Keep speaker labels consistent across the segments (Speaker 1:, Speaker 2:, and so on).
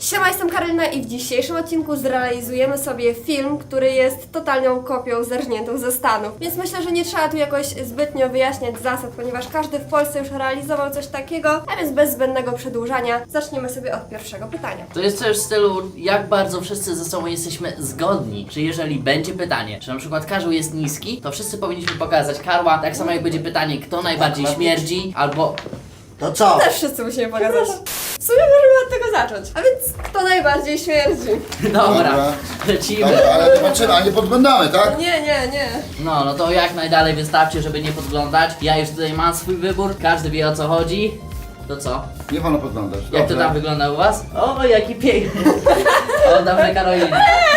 Speaker 1: Siema, jestem Karolina i w dzisiejszym odcinku zrealizujemy sobie film, który jest totalną kopią zerżniętą ze Stanów. Więc myślę, że nie trzeba tu jakoś zbytnio wyjaśniać zasad, ponieważ każdy w Polsce już realizował coś takiego, a więc bez zbędnego przedłużania zaczniemy sobie od pierwszego pytania.
Speaker 2: To jest coś w stylu, jak bardzo wszyscy ze sobą jesteśmy zgodni. Czy jeżeli będzie pytanie, czy na przykład Karzeł jest niski, to wszyscy powinniśmy pokazać Karła, tak samo jak będzie pytanie, kto najbardziej śmierdzi, albo...
Speaker 3: To co?
Speaker 1: Też wszyscy musimy pokazać. W sumie możemy od tego zacząć. A więc kto najbardziej śmierdzi?
Speaker 2: Dobra, lecimy.
Speaker 4: Dobra, ale zobaczymy, a nie podglądamy, tak?
Speaker 1: Nie.
Speaker 2: No to jak najdalej wystarczy, żeby nie podglądać. Ja już tutaj mam swój wybór, każdy wie o co chodzi. To co?
Speaker 4: Nie wolno podglądać.
Speaker 2: Jak to
Speaker 4: Dobrze.
Speaker 2: tam wygląda u was? O, jaki piękny. Oddawaj Karolinie.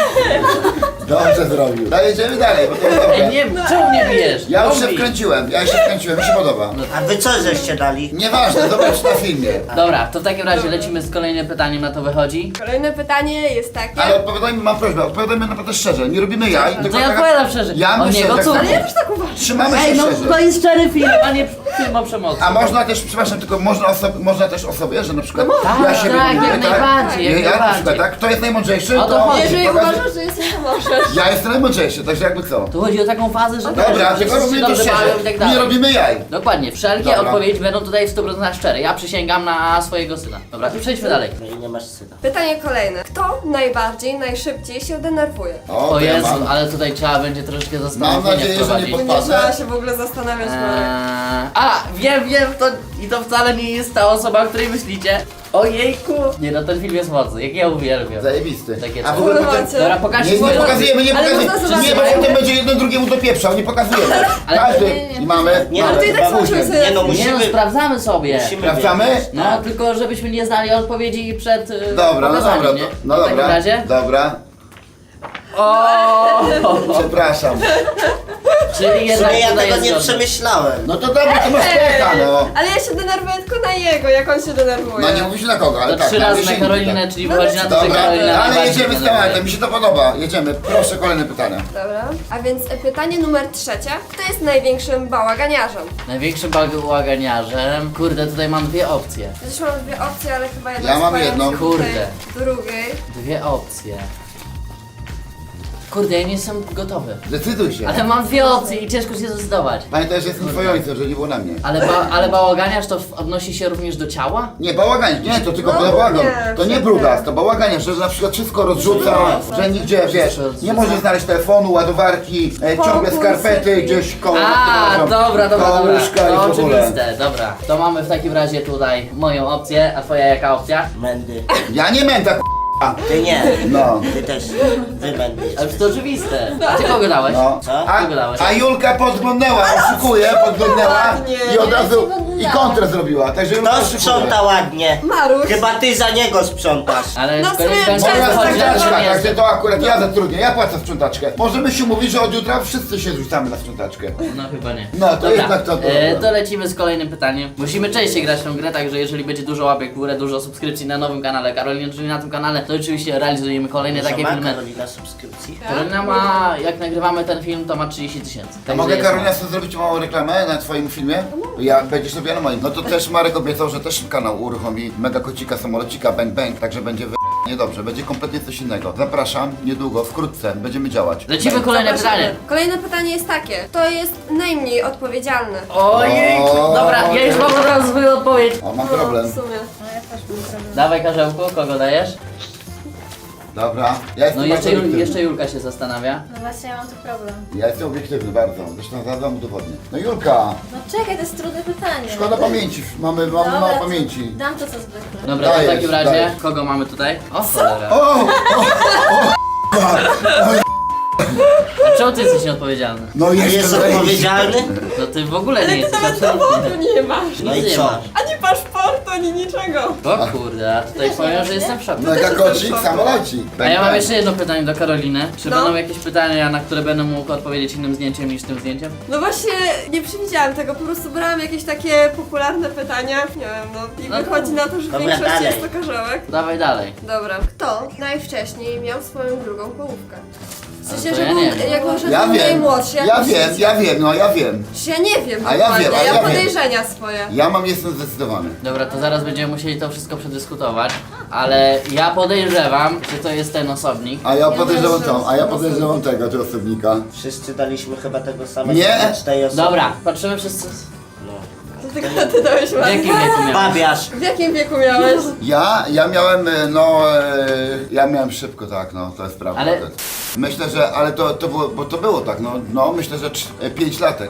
Speaker 4: Dobrze zrobił. Jedziemy dalej, bo to jest
Speaker 2: Ej,
Speaker 4: dobre.
Speaker 2: nie, czemu nie bijesz?
Speaker 4: Ja już się
Speaker 2: Bombi.
Speaker 4: wkręciłem, mi się podoba.
Speaker 3: A wy co żeście dali?
Speaker 4: Nieważne, zobacz na filmie.
Speaker 2: Dobra, to w takim razie lecimy z kolejnym pytaniem, na to wychodzi.
Speaker 1: Kolejne pytanie jest takie...
Speaker 4: Ale odpowiadajmy, mam prośbę, odpowiadajmy naprawdę szczerze. Nie robimy jaj,
Speaker 2: No
Speaker 4: tylko
Speaker 2: to ja
Speaker 4: taka-
Speaker 2: odpowiadam szczerze.
Speaker 4: Ja
Speaker 2: o
Speaker 4: myślę,
Speaker 2: niego
Speaker 4: że-
Speaker 2: cóż.
Speaker 1: Ale ja też tak uważam.
Speaker 4: Trzymamy się
Speaker 2: Ej, no
Speaker 4: szczerze.
Speaker 2: to jest szczery film, a nie film o przemocy.
Speaker 4: A można też, przepraszam, tylko można też o sobie, że na przykład
Speaker 2: tak,
Speaker 4: ja się
Speaker 2: tak,
Speaker 4: lubię,
Speaker 2: jak najbardziej, jak
Speaker 4: ja na
Speaker 2: najbardziej.
Speaker 4: przykład, tak? Kto jest najmądrzejszy,
Speaker 2: O to chodzi.
Speaker 1: Jeżeli
Speaker 4: pokaże-
Speaker 1: uważasz, że jesteś, to możesz.
Speaker 4: Ja jestem najmądrzejszy, także jakby co.
Speaker 2: Tu chodzi o taką fazę, że
Speaker 4: Dobra,
Speaker 2: że
Speaker 4: tylko
Speaker 2: wszyscy
Speaker 4: robimy
Speaker 2: się
Speaker 4: to
Speaker 2: dobrze bawią i
Speaker 4: szczerze.
Speaker 2: tak dalej.
Speaker 4: Nie robimy jaj.
Speaker 2: Dokładnie, wszelkie
Speaker 4: Dobra.
Speaker 2: odpowiedzi będą tutaj w 100% szczere. Ja przysięgam na swojego syna. Dobra, to przejdźmy dalej.
Speaker 3: No i nie masz syna.
Speaker 1: Pytanie kolejne. Kto najbardziej, najszybciej się denerwuje?
Speaker 4: O,
Speaker 2: O
Speaker 4: to ja
Speaker 2: Jezu,
Speaker 4: mam.
Speaker 2: ale tutaj trzeba będzie troszeczkę
Speaker 4: Mam
Speaker 2: zastanowienia
Speaker 4: nadzieję, że nie
Speaker 2: wprowadzić.
Speaker 4: pod-
Speaker 1: Nie trzeba się w ogóle zastanawiać, Marek.
Speaker 2: Wiem, to wcale nie jest ta osoba, o której myślicie. Ojejku! Nie no, ten film jest mocny, jak ja uwielbiam.
Speaker 4: Zajebisty.
Speaker 2: Takie
Speaker 4: A w
Speaker 2: coś.
Speaker 4: ogóle
Speaker 1: Kurwa,
Speaker 4: potem...
Speaker 1: cię.
Speaker 2: Dobra, pokażcie
Speaker 4: Nie
Speaker 2: swoją...
Speaker 4: pokazujemy,
Speaker 1: Ale można zobaczyć.
Speaker 4: nie, bo potem będzie jeden drugiemu dopieprzał, nie pokazujemy.
Speaker 2: Ale-
Speaker 4: Każdy
Speaker 2: nie.
Speaker 4: i mamy.
Speaker 3: Nie,
Speaker 4: mamy.
Speaker 3: ale
Speaker 1: ty tak
Speaker 4: Później.
Speaker 1: zobaczymy sobie.
Speaker 3: Nie no,
Speaker 2: Nie no,
Speaker 3: musimy...
Speaker 2: sprawdzamy sobie.
Speaker 4: Sprawdzamy?
Speaker 3: wiedzieć.
Speaker 2: No, tylko żebyśmy nie znali odpowiedzi przed
Speaker 4: Dobra, no
Speaker 2: pokazaniem,
Speaker 4: dobra,
Speaker 2: nie?
Speaker 4: no
Speaker 2: W takim
Speaker 4: dobra.
Speaker 2: razie?
Speaker 4: Dobra,
Speaker 2: O,
Speaker 4: przepraszam.
Speaker 2: czyli
Speaker 3: W
Speaker 2: jednak
Speaker 3: sumie ja
Speaker 2: tutaj
Speaker 3: tego
Speaker 2: jest
Speaker 3: nie
Speaker 2: zgodne.
Speaker 3: przemyślałem.
Speaker 4: No to dobra, to masz pecha, no.
Speaker 1: Ale ja się denerwuję tylko na jego, jak on się denerwuje.
Speaker 4: No nie mówisz na kogo, ale
Speaker 2: To
Speaker 4: tak.
Speaker 2: 3
Speaker 4: na
Speaker 2: razy na
Speaker 4: miesięcznik,
Speaker 2: Karolinę,
Speaker 4: tak.
Speaker 2: czyli wychodzi na to, że
Speaker 4: Dobra,
Speaker 2: Karolina
Speaker 4: ale
Speaker 2: najbardziej
Speaker 4: jedziemy z
Speaker 2: denerwuje.
Speaker 4: tematem, mi się to podoba. Jedziemy, proszę, kolejne pytania.
Speaker 1: Dobra. A więc pytanie numer 3. Kto jest największym bałaganiarzem?
Speaker 2: Największym bałaganiarzem. Kurde, tutaj mam dwie opcje.
Speaker 1: Ja też mam dwie opcje, ale chyba jedna
Speaker 4: Ja mam
Speaker 1: swoją
Speaker 4: jedną.
Speaker 1: się
Speaker 2: Kurde.
Speaker 1: tutaj drugiej.
Speaker 2: Dwie opcje. Kurde, ja nie jestem gotowy.
Speaker 4: Decyduj się.
Speaker 2: Ale mam dwie opcje i ciężko się zdecydować.
Speaker 4: Pamiętaj, że jestem twoim ojcem, że nie było na mnie.
Speaker 2: Ale bałaganiarz to odnosi się również do ciała?
Speaker 4: Nie, bałaganiarz, nie, to tylko
Speaker 1: No,
Speaker 4: bałagan.
Speaker 1: nie,
Speaker 4: To nie
Speaker 1: nie.
Speaker 4: brudas, to bałaganiarz, że na przykład wszystko rozrzuca, że nigdzie, wiesz, nie może znaleźć telefonu, ładowarki, ciągle
Speaker 1: Fokusy.
Speaker 4: skarpety gdzieś koło
Speaker 2: Dobra,
Speaker 4: koło łóżka i
Speaker 2: To
Speaker 4: w ogóle.
Speaker 2: oczywiste, dobra. To mamy w takim razie tutaj moją opcję, a twoja jaka opcja?
Speaker 3: Mędy.
Speaker 4: Ja nie męta,
Speaker 3: Ty nie.
Speaker 4: no.
Speaker 3: Ty też. Wy mędy.
Speaker 2: Ale to oczywiste. A ty kogo dałeś?
Speaker 4: No.
Speaker 3: Co?
Speaker 4: A Julka podglądnęła, oszukuje, podglądnęła
Speaker 1: Ładnie.
Speaker 4: i od
Speaker 1: Ja
Speaker 4: razu
Speaker 1: się podglądałam.
Speaker 4: i kontrę zrobiła, także Julka
Speaker 3: Kto
Speaker 4: oszukuje.
Speaker 3: sprząta ładnie?
Speaker 1: Maruś.
Speaker 3: Chyba ty za niego sprzątasz.
Speaker 2: Ale
Speaker 1: No
Speaker 2: z
Speaker 1: w sumie
Speaker 2: kolei będzie
Speaker 1: często
Speaker 4: Moja
Speaker 2: wychodzi na to, że
Speaker 4: sprzątaczka,
Speaker 2: nie
Speaker 4: także
Speaker 2: jestem.
Speaker 4: to akurat ja zatrudnię, ja płacę sprzątaczkę. Możemy się mówić, że od jutra wszyscy się rzucamy na sprzątaczkę.
Speaker 2: No chyba nie.
Speaker 4: No, to
Speaker 2: Dobra,
Speaker 4: jednak to-
Speaker 2: to lecimy z kolejnym pytaniem. Musimy częściej grać w tę grę, także jeżeli będzie dużo łapek w górę, dużo subskrypcji na nowym kanale Karolina, czyli na tym kanale, to oczywiście realizujemy kolejne takie
Speaker 3: Ma
Speaker 2: filmy.
Speaker 3: Karolina subskrypcji?
Speaker 2: Karolina ma, jak nagrywamy ten film, to ma 30 000.
Speaker 4: A mogę Karolina sobie zrobić małą reklamę na twoim filmie? Ja będziesz robiła na moim. No to też Marek obiecał, że też kanał uruchomi Mega Kocika, Samolocika, Bang Bang, także będzie niedobrze, będzie kompletnie coś innego. Zapraszam, niedługo, wkrótce, będziemy działać.
Speaker 2: Lecimy
Speaker 4: Bang.
Speaker 2: kolejne
Speaker 1: Zapraszamy.
Speaker 2: pytanie.
Speaker 1: Kolejne pytanie jest takie. Kto jest najmniej odpowiedzialny?
Speaker 2: Ojej,
Speaker 4: O,
Speaker 2: dobra, ja już mam od razu swoją odpowiedź.
Speaker 4: O, mam
Speaker 1: No,
Speaker 4: problem.
Speaker 1: w sumie.
Speaker 2: Dawaj Karzełku, kogo dajesz?
Speaker 4: Dobra, ja jestem
Speaker 2: No
Speaker 4: bardzo obiektywny.
Speaker 2: jeszcze Julka się zastanawia.
Speaker 5: No właśnie, ja mam tu problem.
Speaker 4: Ja jestem obiektywny bardzo, zresztą zaraz wam udowodnię. No Julka,
Speaker 5: No czekaj, to jest trudne pytanie.
Speaker 4: szkoda pamięci, mamy
Speaker 5: Dobra,
Speaker 4: mało
Speaker 5: to
Speaker 4: pamięci.
Speaker 5: Dam to co zwykle.
Speaker 2: Dobra, to w
Speaker 4: Dajesz,
Speaker 2: takim razie,
Speaker 4: dajesz.
Speaker 2: kogo mamy tutaj? O cholera.
Speaker 4: O!
Speaker 2: A czemu ty jesteś nieodpowiedzialny?
Speaker 4: No
Speaker 3: A jest
Speaker 4: jeszcze wejść.
Speaker 3: odpowiedzialny?
Speaker 2: No ty w ogóle nie jesteś
Speaker 1: Nawet
Speaker 2: absolutnie.
Speaker 1: dowodu nie masz.
Speaker 3: No
Speaker 2: Nic
Speaker 3: i
Speaker 2: nie
Speaker 3: co?
Speaker 2: masz.
Speaker 1: Ani paszportu, ani niczego.
Speaker 2: O kurde, a tutaj powiem, że jestem w szoku.
Speaker 4: Mega kocik, samolocik.
Speaker 2: A ja mam jeszcze jedno pytanie do Karoliny. Czy
Speaker 1: No.
Speaker 2: będą jakieś pytania, na które będę mógł odpowiedzieć innym zdjęciem niż tym zdjęciem?
Speaker 1: No właśnie, nie przewidziałam tego, po prostu brałam jakieś takie popularne pytania. Nie wiem, no i
Speaker 2: No
Speaker 1: wychodzi na to, że w
Speaker 3: Dobra,
Speaker 1: większości
Speaker 3: dalej.
Speaker 1: jest to karzełek.
Speaker 2: Dawaj dalej.
Speaker 1: Dobra. Kto najwcześniej miał swoją drugą połówkę? W sensie,
Speaker 2: to
Speaker 1: że
Speaker 2: ja
Speaker 1: był,
Speaker 2: nie wiem.
Speaker 1: jako że
Speaker 4: Ja
Speaker 1: był
Speaker 4: wiem,
Speaker 1: najmłodszy. jak
Speaker 4: ja
Speaker 1: myślicie?
Speaker 4: wiem, ja wiem.
Speaker 1: Ja nie wiem
Speaker 4: A ja
Speaker 1: dokładnie,
Speaker 4: wiem, a ja wiem.
Speaker 1: podejrzenia swoje.
Speaker 4: Ja jestem zdecydowany.
Speaker 2: Dobra, to zaraz będziemy musieli to wszystko przedyskutować. ale ja podejrzewam, że to jest ten osobnik.
Speaker 4: A ja podejrzewam
Speaker 5: też
Speaker 4: tą, a ja podejrzewam tego osobnika.
Speaker 3: Wszyscy daliśmy chyba tego samego.
Speaker 4: Nie.
Speaker 3: na 4 osoby.
Speaker 2: Dobra, patrzymy wszyscy.
Speaker 3: No.
Speaker 1: To tylko ty dałeś
Speaker 2: W jakim
Speaker 1: ładnie.
Speaker 2: wieku miałeś?
Speaker 3: Babiarz.
Speaker 1: W jakim wieku miałeś?
Speaker 4: Ja miałem, ja miałem szybko, tak, no, to jest prawda.
Speaker 2: Ale-
Speaker 4: Myślę, że, ale to było, bo to było tak, no myślę, że 5 latek.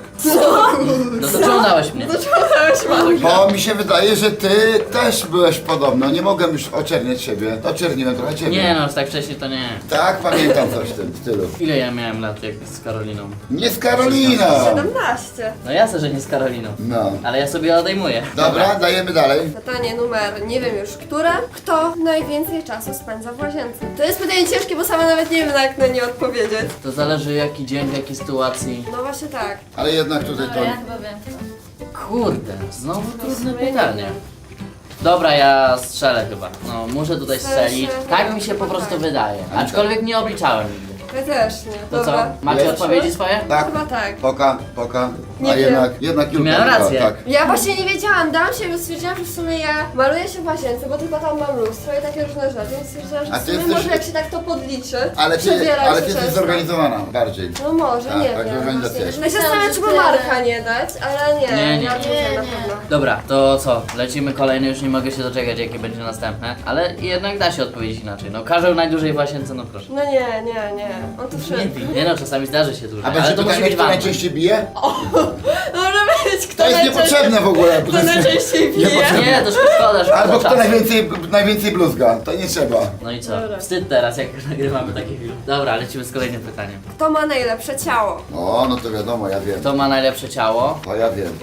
Speaker 2: No to czemu dałeś mnie?
Speaker 1: Dlaczego dałeś ładnie?
Speaker 4: Bo mi się wydaje, że ty też byłeś podobno, nie mogłem już oczerniać siebie, oczerniłem trochę ciebie.
Speaker 2: Nie no, tak wcześniej to nie.
Speaker 4: Tak, pamiętam coś w tym stylu.
Speaker 2: Ile ja miałem lat jak z Karoliną?
Speaker 4: Nie z Karoliną!
Speaker 1: 17.
Speaker 2: No jasne, że nie z Karoliną.
Speaker 4: No.
Speaker 2: Ale ja sobie odejmuję.
Speaker 4: Dobra, dajemy dalej.
Speaker 1: Pytanie numer, nie wiem już które. Kto najwięcej czasu spędza w łazience? To jest pytanie ciężkie, bo sama nawet nie wiem jak na nie odpowiedzieć.
Speaker 2: To zależy jaki dzień, w jakiej sytuacji.
Speaker 1: No właśnie tak.
Speaker 4: Ale jednak tutaj
Speaker 5: Dobra,
Speaker 4: to...
Speaker 5: ja chyba wiem kto.
Speaker 2: Kurde, znowu trudne
Speaker 1: sumie nie
Speaker 2: pytanie.
Speaker 1: wiem.
Speaker 2: Dobra, ja strzelę chyba. No, muszę tutaj strzelić.
Speaker 1: Strzel się.
Speaker 2: Tak mi się po prostu wydaje. Aczkolwiek nie obliczałem nigdy.
Speaker 1: Ja też nie.
Speaker 2: To co?
Speaker 1: Dobra.
Speaker 2: Macie
Speaker 4: Jest.
Speaker 2: odpowiedzi swoje?
Speaker 4: Tak,
Speaker 1: Chyba tak.
Speaker 4: poka.
Speaker 1: Nie
Speaker 4: A
Speaker 1: wiem.
Speaker 4: jednak Julka
Speaker 2: Miałem
Speaker 4: wygrała,
Speaker 2: rację.
Speaker 4: tak.
Speaker 1: Ja właśnie nie wiedziałam, dałam się, bo stwierdziłam, że w sumie ja maluję się w łazience, bo tylko tam mam lustro i takie różne rzeczy, więc stwierdziłam, że
Speaker 4: A
Speaker 1: w
Speaker 4: ty
Speaker 1: sumie
Speaker 4: jesteś-
Speaker 1: może jak się tak to podliczy,
Speaker 4: Ale
Speaker 1: przebierać
Speaker 4: ty
Speaker 1: się
Speaker 4: jesteś
Speaker 1: często.
Speaker 4: zorganizowana bardziej.
Speaker 1: No może,
Speaker 4: Tak,
Speaker 1: nie
Speaker 4: tak,
Speaker 1: wiem.
Speaker 4: organizacja jest.
Speaker 1: Ja się zastanawiam, czy by Marka nie dać, ale nie,
Speaker 2: Nie, nie.
Speaker 1: ja czuję
Speaker 5: Nie,
Speaker 1: na
Speaker 5: nie.
Speaker 1: pewno.
Speaker 2: Dobra, to co? Lecimy kolejny, już nie mogę się doczekać jakie będzie następne. Ale jednak da się odpowiedzieć inaczej. No Karzeł najdłużej w łazience, no proszę.
Speaker 1: No nie, on tu szybko.
Speaker 2: Nie no, czasami zdarzy się dłużej,
Speaker 4: A
Speaker 2: ale
Speaker 4: będzie
Speaker 2: to musi
Speaker 4: pytanie,
Speaker 2: być
Speaker 4: kto
Speaker 2: wam.
Speaker 4: najczęściej bije?
Speaker 1: Może być, kto
Speaker 4: To jest niepotrzebne w ogóle.
Speaker 1: Kto najczęściej pije?
Speaker 4: Niepotrzebne.
Speaker 2: Nie, to szkoda, szkoda
Speaker 4: Albo kto
Speaker 2: czasu.
Speaker 4: najwięcej bluzga, to nie trzeba.
Speaker 2: No i co?
Speaker 1: Dobra.
Speaker 2: Wstyd teraz, jak nagrywamy taki film. Dobra, lecimy z kolejnym pytaniem.
Speaker 1: Kto ma najlepsze ciało?
Speaker 4: O, no to wiadomo, ja wiem.
Speaker 2: Kto ma najlepsze ciało?
Speaker 4: To ja wiem.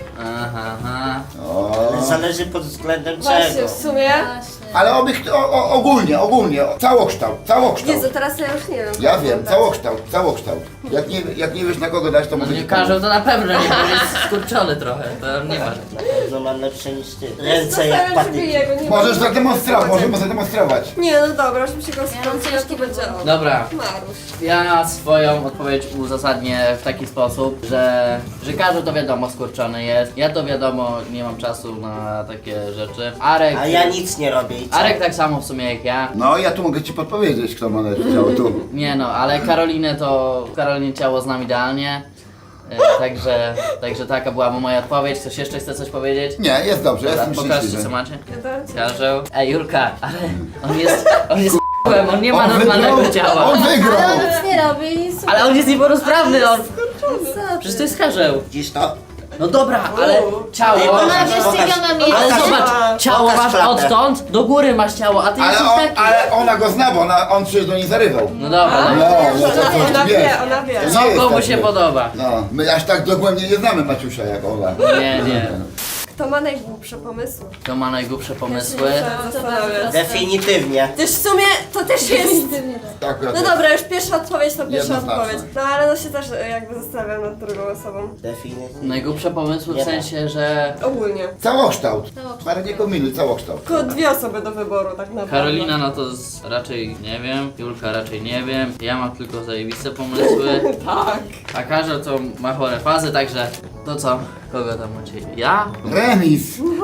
Speaker 2: Aha.
Speaker 4: O.
Speaker 3: Ale zależy pod względem
Speaker 1: Właśnie,
Speaker 3: czego.
Speaker 1: w sumie.
Speaker 5: Właśnie.
Speaker 4: Ale ogólnie, całokształt.
Speaker 1: Jezu, teraz ja już nie wiem.
Speaker 4: Ja wiem, całokształt. Jak nie wiesz na kogo dać, to
Speaker 2: No
Speaker 4: może
Speaker 2: nie
Speaker 4: ci
Speaker 2: Karzeł to na pewno nie, bo jest skurczony trochę, to nie ma.
Speaker 3: Na pewno mam lepsze niż ty.
Speaker 1: Ja
Speaker 3: Ręce jak
Speaker 1: zastanawiam się,
Speaker 3: patyki.
Speaker 1: jego, nie
Speaker 4: Możesz
Speaker 1: mam-
Speaker 4: zademonstrować, możemy zademonstrować.
Speaker 1: Nie, no dobra, już mi się go
Speaker 5: Ja mam
Speaker 1: skoncentruje,
Speaker 5: ciężki
Speaker 1: to będzie
Speaker 5: wybór.
Speaker 1: on.
Speaker 2: Dobra,
Speaker 1: Marusz.
Speaker 2: ja swoją odpowiedź uzasadnię w taki sposób, że Karzeł to wiadomo skurczony jest, ja to wiadomo nie mam czasu na takie rzeczy. Arek...
Speaker 3: A ja nic nie robię i co?
Speaker 2: Arek tak samo w sumie jak ja.
Speaker 4: No, ja tu mogę ci podpowiedzieć, kto ma najlepsze ciało tu.
Speaker 2: Nie no, ale Karolinie ciało znam idealnie. Także taka była moja odpowiedź. Ktoś jeszcze chce coś powiedzieć?
Speaker 4: Nie, jest dobrze,
Speaker 2: Dobra,
Speaker 4: jestem
Speaker 2: pokażcie
Speaker 4: szczęśliwy.
Speaker 2: co macie.
Speaker 1: Ja dam ci-
Speaker 2: Karzeł. Ej Julka, ale on jest on nie ma
Speaker 4: On
Speaker 2: normalnego
Speaker 4: wygrał,
Speaker 2: ciała.
Speaker 4: on wygrał!
Speaker 5: Ale on nic nie robi i super.
Speaker 2: Ale on jest niepełnosprawny, on...
Speaker 5: Co
Speaker 2: Przecież
Speaker 5: ty?
Speaker 2: to jest Karzeł.
Speaker 3: Widzisz to?
Speaker 2: No dobra, ale ciało...
Speaker 3: Ej,
Speaker 5: Ona
Speaker 3: Pokaż,
Speaker 5: wiesz,
Speaker 3: pokaż.
Speaker 5: ma miejsce.
Speaker 2: Ale
Speaker 3: Pokaż.
Speaker 2: zobacz, ciało
Speaker 3: Pokaż
Speaker 2: masz
Speaker 3: klatę.
Speaker 2: odtąd, do góry masz ciało, a ty jesteś taki.
Speaker 4: Ale ona go zna, bo on przecież do niej zarywał.
Speaker 2: No dobra,
Speaker 1: A,
Speaker 2: dobra.
Speaker 4: No, to
Speaker 1: ona
Speaker 4: wiesz.
Speaker 1: wie, ona wie.
Speaker 4: To nie
Speaker 2: Co
Speaker 4: jest
Speaker 2: komu
Speaker 4: tak,
Speaker 2: się
Speaker 4: że-
Speaker 2: podoba?
Speaker 4: No, my aż tak dogłębnie nie znamy Maciusia jak ona.
Speaker 2: Nie.
Speaker 1: Kto ma najgłupsze pomysły?
Speaker 2: Kto ma najgłupsze pomysły?
Speaker 5: No, to bardzo proste.
Speaker 3: Definitywnie.
Speaker 1: Też w sumie to też jest.
Speaker 4: Tak,
Speaker 1: No dobra, już pierwsza odpowiedź to pierwsza
Speaker 4: Jednoznaczne.
Speaker 1: odpowiedź. No ale no się też jakby zastanawiam nad drugą osobą.
Speaker 3: Definitywnie.
Speaker 2: Najgłupsze pomysły w
Speaker 3: Nie.
Speaker 2: sensie, że...
Speaker 1: Ogólnie.
Speaker 4: Całokształt.
Speaker 5: Całokształt.
Speaker 4: Parę nie kombinuj, całokształt.
Speaker 1: Tylko dwie osoby do wyboru tak naprawdę.
Speaker 2: Karolina no to raczej nie wiem, Julka raczej nie wiem, ja mam tylko zajebiste pomysły,
Speaker 1: Tak.
Speaker 2: a Karzeł to ma chore fazy, także to co? Kogo tam macie? Ja?
Speaker 4: Remis.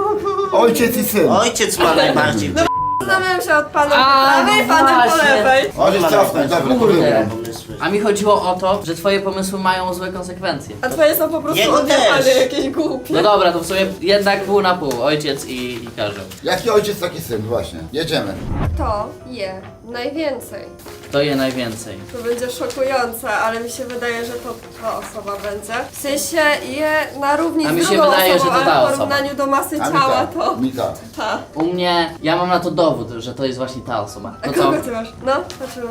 Speaker 4: Ojciec i syn.
Speaker 3: Ojciec ma najbardziej
Speaker 1: Zastanawiam się od pana
Speaker 2: A,
Speaker 1: po prawej,
Speaker 2: no
Speaker 1: panem po
Speaker 2: właśnie.
Speaker 1: lewej.
Speaker 4: Możesz cofnąć, dobra, to
Speaker 2: Kurde.
Speaker 4: wygram.
Speaker 3: pomysły.
Speaker 2: A mi chodziło o to, że twoje pomysły mają złe konsekwencje.
Speaker 1: A twoje są po prostu
Speaker 3: Jego
Speaker 1: odjechane
Speaker 3: też.
Speaker 1: jakieś głupie.
Speaker 2: No dobra, to w sumie jednak pół na pół, ojciec i Karzeł.
Speaker 4: Jaki ojciec, taki syn, właśnie. Jedziemy.
Speaker 1: Kto je najwięcej?
Speaker 2: Kto je najwięcej?
Speaker 1: To będzie szokujące, ale mi się wydaje, że to ta osoba będzie. W sensie je na równi
Speaker 2: A
Speaker 1: z
Speaker 2: mi się
Speaker 1: drugą
Speaker 2: wydaje,
Speaker 1: osobą,
Speaker 2: że to ta
Speaker 1: ale w
Speaker 2: osoba.
Speaker 1: porównaniu do masy
Speaker 4: A mi
Speaker 1: ciała
Speaker 4: tak,
Speaker 1: to
Speaker 4: mi tak.
Speaker 1: ta.
Speaker 2: U mnie, ja mam na to dowód, że to jest właśnie ta osoba.
Speaker 1: A
Speaker 2: To co?
Speaker 1: kogo ty masz? No, patrzymy.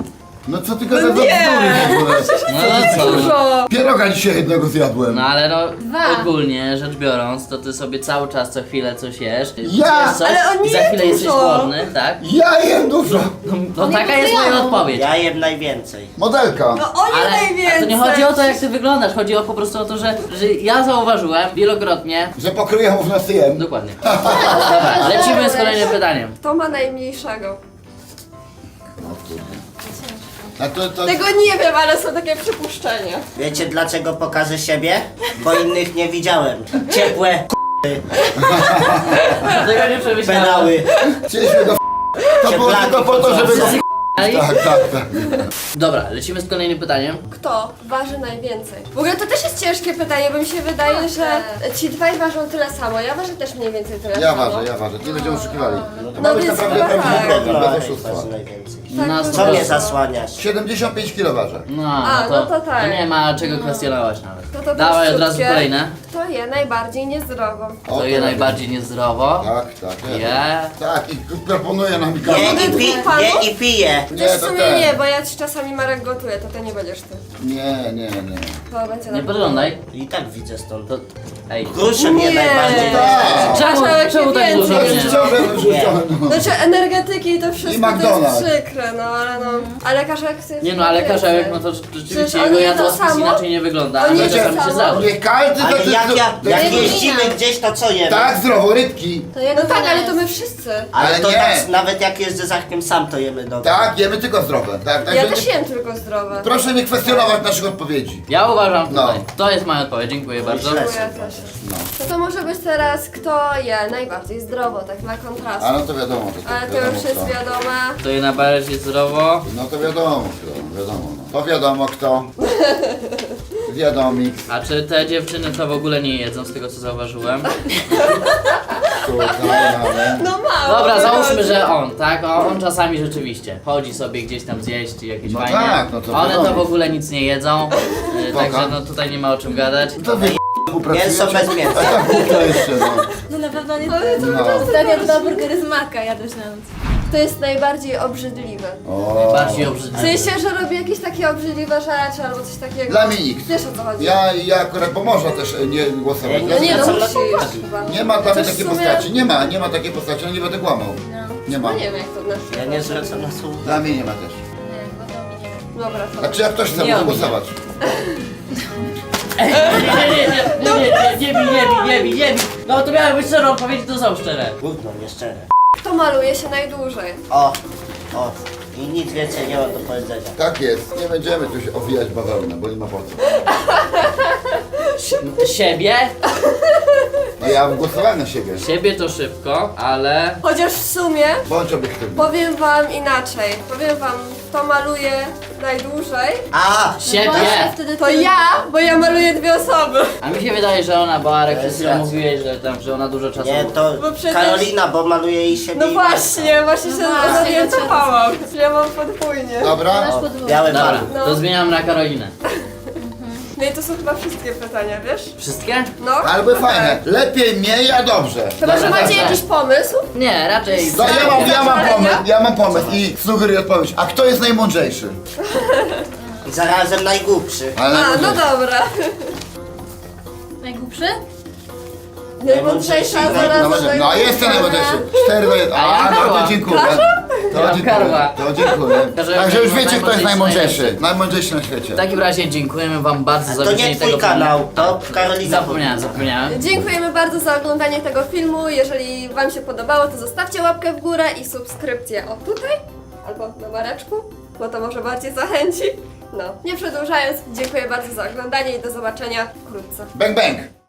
Speaker 4: No co ty gadasz za bzdury
Speaker 1: nie.
Speaker 4: w ogóle?
Speaker 2: No to co?
Speaker 1: Dużo!
Speaker 4: Pieroga dzisiaj jednego zjadłem.
Speaker 2: No ale no,
Speaker 5: Dwa.
Speaker 2: ogólnie rzecz biorąc, to ty sobie cały czas co chwilę coś jesz.
Speaker 4: Ja!
Speaker 2: Zjesz coś
Speaker 1: Ale on
Speaker 2: i za
Speaker 1: nie
Speaker 2: chwilę jesteś
Speaker 1: dużo.
Speaker 2: głodny, tak?
Speaker 4: Ja jem dużo.
Speaker 2: No taka jest moja odpowiedź.
Speaker 3: Ja jem najwięcej.
Speaker 4: Modelka.
Speaker 1: No on je najwięcej!
Speaker 2: Ale to nie chodzi o to, jak ty wyglądasz, chodzi po prostu o to, że ja zauważyłem wielokrotnie.
Speaker 4: Że pokryję mu w nosy jem.
Speaker 2: Dokładnie. Dobra, lecimy z kolejnym pytaniem.
Speaker 1: Kto ma najmniejszego?
Speaker 4: No kurde. A to...
Speaker 1: Tego nie wiem, ale są takie przypuszczenia.
Speaker 3: Wiecie dlaczego pokażę siebie? Bo innych nie widziałem. Ciepłe
Speaker 2: Tego nie przemyślałem.
Speaker 3: pedały.
Speaker 4: Chcieliśmy go To było tylko po to, żeby go...
Speaker 2: Ej.
Speaker 4: Tak.
Speaker 2: Dobra, lecimy z kolejnym pytaniem.
Speaker 1: Kto waży najwięcej? W ogóle to też jest ciężkie pytanie, bo mi się wydaje, że ci dwaj ważą tyle samo. Ja ważę też mniej więcej tyle
Speaker 4: Ja
Speaker 1: samo.
Speaker 4: ważę. Nie będziemy oszukiwali. To
Speaker 1: No
Speaker 4: ma być
Speaker 1: więc
Speaker 4: naprawdę
Speaker 1: chyba
Speaker 4: prawdziwy
Speaker 1: tak.
Speaker 4: program, bez
Speaker 3: Waży
Speaker 4: oszustwa.
Speaker 3: najwięcej.
Speaker 2: Na
Speaker 1: tak,
Speaker 3: Co mnie
Speaker 2: 100%.
Speaker 3: zasłaniasz?
Speaker 4: 75 kg ważę.
Speaker 1: no to tak.
Speaker 2: To nie ma czego kwestionować nawet.
Speaker 1: To
Speaker 2: Dawaj od razu
Speaker 1: prościutkie.
Speaker 2: kolejne.
Speaker 1: Kto je najbardziej niezdrowo?
Speaker 4: O,
Speaker 2: To je najbardziej niezdrowo.
Speaker 4: Tak.
Speaker 2: Je.
Speaker 4: Tak, i proponuję nam Mikołaj.
Speaker 3: Je i pije.
Speaker 1: Chociaż w
Speaker 4: to
Speaker 1: sumie
Speaker 4: ten.
Speaker 1: nie, bo ja ci czasami Marek gotuje, to nie będziesz ty.
Speaker 4: Nie.
Speaker 1: To będzie
Speaker 2: Nie
Speaker 1: na
Speaker 2: podglądaj.
Speaker 3: I tak widzę stąd.
Speaker 2: To... Ej.
Speaker 3: Grusze mnie
Speaker 1: Nie.
Speaker 3: najbardziej
Speaker 4: Tak.
Speaker 2: Czemu tak
Speaker 1: więcej.
Speaker 2: dużo
Speaker 4: To
Speaker 2: mnie?
Speaker 4: jest ciągle wyrzucone, no.
Speaker 1: Znaczy energetyki to wszystko to
Speaker 4: McDonald's.
Speaker 1: jest przykre, no ale no. Ale Karzełek chce
Speaker 2: Nie no, ale
Speaker 1: więcej.
Speaker 2: Karzełek, no to
Speaker 1: Przecież
Speaker 2: rzeczywiście
Speaker 1: on
Speaker 2: jego
Speaker 1: je to
Speaker 2: jadłospis
Speaker 1: samo?
Speaker 2: inaczej nie wygląda,
Speaker 1: On
Speaker 2: ale
Speaker 1: je to
Speaker 2: czasami się
Speaker 1: samo?
Speaker 2: zdarza.
Speaker 4: Nie każdy
Speaker 3: Ale
Speaker 4: to
Speaker 3: jak
Speaker 4: jest...
Speaker 3: jeździmy gdzieś, to co jemy?
Speaker 4: Tak, zdrowo, rybki.
Speaker 5: To jego
Speaker 1: No tak,
Speaker 5: wina
Speaker 1: ale
Speaker 5: jest.
Speaker 1: to my wszyscy.
Speaker 3: Ale to
Speaker 4: nie.
Speaker 3: tak, nawet jak jeżdżę za Arkiem sam, to jemy dobrze.
Speaker 4: Tak, jemy tylko zdrowe. Tak,
Speaker 1: Ja
Speaker 4: także
Speaker 1: też
Speaker 4: nie,
Speaker 1: jem tylko zdrowe.
Speaker 4: proszę nie kwestionować naszych odpowiedzi.
Speaker 2: Ja uważam
Speaker 4: No.
Speaker 2: tutaj. To jest moja odpowiedź, dziękuję bardzo.
Speaker 3: źle.
Speaker 1: Ja też. No to może być teraz kto je najbardziej zdrowo, tak na kontrast.
Speaker 4: A no to wiadomo.
Speaker 1: Ale to
Speaker 4: wiadomo
Speaker 1: już jest
Speaker 4: kto.
Speaker 1: wiadome.
Speaker 2: To je najbardziej zdrowo.
Speaker 4: No to wiadomo no. To wiadomo kto. Wiadomik.
Speaker 2: A czy te dziewczyny to w ogóle nie jedzą, z tego co zauważyłem?
Speaker 4: Tutaj mamy.
Speaker 1: No mało.
Speaker 2: Dobra,
Speaker 1: wychodzi.
Speaker 2: załóżmy, że on, tak? On czasami rzeczywiście chodzi sobie gdzieś tam zjeść i jakieś
Speaker 4: No
Speaker 2: fajnie.
Speaker 4: tak, no to
Speaker 2: One to
Speaker 4: wiadomo.
Speaker 2: w ogóle nic nie jedzą,
Speaker 4: Spoko.
Speaker 2: także no tutaj nie ma o czym gadać.
Speaker 4: To wy
Speaker 3: Mięso bez mięsa.
Speaker 4: A tak głupio jeszcze no.
Speaker 5: To na pewno nie
Speaker 1: Ale
Speaker 5: ty.
Speaker 1: to
Speaker 4: No.
Speaker 5: Ostatnio dwa burgery z maka jadłeś na noc.
Speaker 1: To jest najbardziej obrzydliwe.
Speaker 4: O.
Speaker 2: Bardziej
Speaker 1: W
Speaker 2: obrzydliwe.
Speaker 1: sensie, że robi jakieś takie obrzydliwe rzeczy albo coś takiego.
Speaker 4: Dla mnie nikt.
Speaker 1: Wiesz o co chodzi?
Speaker 4: Ja akurat, bo można też nie głosować.
Speaker 3: Ja
Speaker 1: No nie, no
Speaker 3: Wracam
Speaker 1: musisz
Speaker 3: na
Speaker 1: chyba.
Speaker 4: Nie ma dla mnie
Speaker 1: Chociaż
Speaker 4: takiej
Speaker 1: w sumie-
Speaker 4: postaci. Nie ma takiej postaci, no nie będę kłamał. Nie ma.
Speaker 1: No nie wiem jak to w naszym
Speaker 3: Ja nie zwracam na słowo.
Speaker 4: Dla mnie nie ma też.
Speaker 5: Nie, chyba to mi nie.
Speaker 1: Dobra, to.
Speaker 4: Znaczy jak ktoś chce,
Speaker 2: Nie
Speaker 4: może
Speaker 2: ominie.
Speaker 4: głosować.
Speaker 2: Nie bij. No to miały być szczerą odpowiedź, to są szczere.
Speaker 3: Gówno, nieszczere.
Speaker 1: Kto maluje się najdłużej?
Speaker 3: O. I nic więcej nie ma do powiedzenia.
Speaker 4: Tak jest. Nie będziemy tu się owijać bawełnę, bo nie ma po co.
Speaker 2: Siebie?
Speaker 4: No ja głosowałem na siebie.
Speaker 2: Siebie to szybko, ale...
Speaker 1: Chociaż w sumie
Speaker 4: Bądź obiektywny.
Speaker 1: powiem wam inaczej. Powiem wam, kto maluje najdłużej.
Speaker 3: A!
Speaker 2: Siebie!
Speaker 5: Wtedy
Speaker 1: To ja, bo ja maluję dwie osoby.
Speaker 2: A mi się wydaje, że ona, bo Arek
Speaker 3: To jest
Speaker 2: przed chwilą
Speaker 3: racja.
Speaker 2: mówiłeś, że ona dużo czasu...
Speaker 3: Nie, to
Speaker 1: Bo przecież-
Speaker 3: Karolina, bo maluje jej siebie
Speaker 1: No
Speaker 3: i
Speaker 1: właśnie się
Speaker 5: właśnie,
Speaker 1: zorientowałam. Ja mam podwójnie.
Speaker 4: Dobra?
Speaker 5: Masz
Speaker 3: O,
Speaker 5: podwójnie.
Speaker 3: białe
Speaker 2: Dobra,
Speaker 3: barwy.
Speaker 1: No.
Speaker 2: to zmieniam na Karolinę.
Speaker 1: No i to są chyba wszystkie pytania, wiesz?
Speaker 2: Wszystkie?
Speaker 1: No.
Speaker 4: Albo
Speaker 1: chyba
Speaker 4: fajne.
Speaker 1: tak.
Speaker 4: Lepiej mniej, a dobrze.
Speaker 1: Chyba, że
Speaker 2: Dobra,
Speaker 1: macie
Speaker 2: dobra.
Speaker 1: jakiś pomysł?
Speaker 2: Nie, raczej...
Speaker 4: No ja mam pomysł i sugeruję odpowiedź. A kto jest najmądrzejszy?
Speaker 3: I zarazem najgłupszy.
Speaker 4: Ale
Speaker 1: A, no
Speaker 4: najmądrzejszy.
Speaker 1: dobra.
Speaker 5: Najgłupszy?
Speaker 1: Najmądrzejsza
Speaker 3: No,
Speaker 1: zaraz.
Speaker 4: No jestem najmądrzejszy. 4 do 1.
Speaker 2: A ja
Speaker 4: A, no
Speaker 2: Karła.
Speaker 4: to dziękuję.
Speaker 2: Ja Karła.
Speaker 4: To dziękuję.
Speaker 2: Karzełek
Speaker 4: Także już
Speaker 2: jest
Speaker 4: wiecie, kto jest
Speaker 2: najmądrzejszy.
Speaker 4: najmądrzejszy. Najmądrzejszy na świecie.
Speaker 2: W takim razie dziękujemy wam bardzo
Speaker 3: A
Speaker 2: za
Speaker 3: to
Speaker 2: obejrzenie
Speaker 3: nie
Speaker 2: tego
Speaker 3: twój
Speaker 2: filmu.
Speaker 3: kanał, to Karolina.
Speaker 2: Zapomniałem.
Speaker 1: Dziękujemy bardzo za oglądanie tego filmu. Jeżeli wam się podobało, to zostawcie łapkę w górę i subskrypcję o tutaj albo na Mareczku, bo to może bardziej zachęci. No, nie przedłużając, dziękuję bardzo za oglądanie i do zobaczenia wkrótce.
Speaker 4: Bang bang.